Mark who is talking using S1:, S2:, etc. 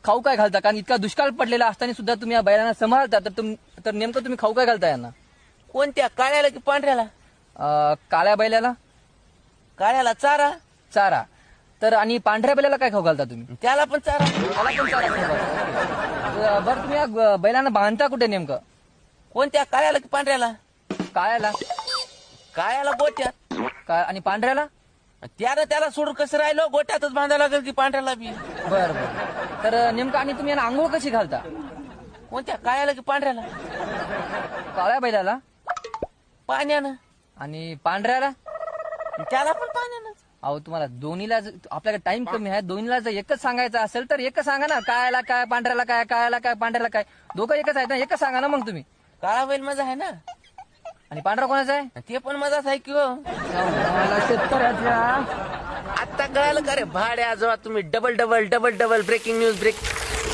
S1: खाऊ काय घालता? कारण इतका दुष्काळ पडलेला असताना सुद्धा तुम्ही या बैलांना सांभाळता, तर नेमकं तुम्ही खाऊ काय घालता यांना?
S2: कोणत्या, काळ्याला की पांढऱ्याला?
S1: काळ्या बैलाला
S2: काळ्याला चारा,
S1: चारा, तर आणि पांढऱ्या बैलाला काय खाऊ घालता तुम्ही?
S2: त्याला पण चारा.
S1: त्याला पण चारा खाऊ घालता. बरं, तुम्ही या बैलांना बांधता कुठे नेमकं?
S2: कोणत्या, काळ्याला की पांढऱ्याला?
S1: काळ्याला
S2: काळ्याला गोट्यात,
S1: आणि पांढऱ्याला?
S2: त्याला सोडून कसं राहिलो, गोट्यातच बांधायला लागेल की पांढऱ्याला बी.
S1: बरं बरं, तर नेमकं आणि तुम्ही यांना आंघोळ कशी घालता?
S2: कोणत्या, काळ्याला की पांढऱ्याला?
S1: काळ्या बैलाला.
S2: पाण्यानं.
S1: आणि पांढऱ्याला?
S2: त्याला पण पाण्यानं.
S1: अहो तुम्हाला दोन्हीला आपल्याकडे टाइम कमी आहे, दोन्हीला जर एकच सांगायचं असेल तर एकच सांगा ना. काळ्याला काय, पांढऱ्याला काय, काळ्याला काय, पांढऱ्याला काय, दोघं एकच आहेत ना, एकच सांगा ना मग तुम्ही.
S2: काळा बैल माझा आहे ना,
S1: आणि पांढरा कोणाचा आहे?
S2: ते पण माझाच आहे की हो.
S1: शेतकऱ्याच्या
S2: आता कळालं का रे भाड्या, जेव्हा तुम्ही double double double double breaking news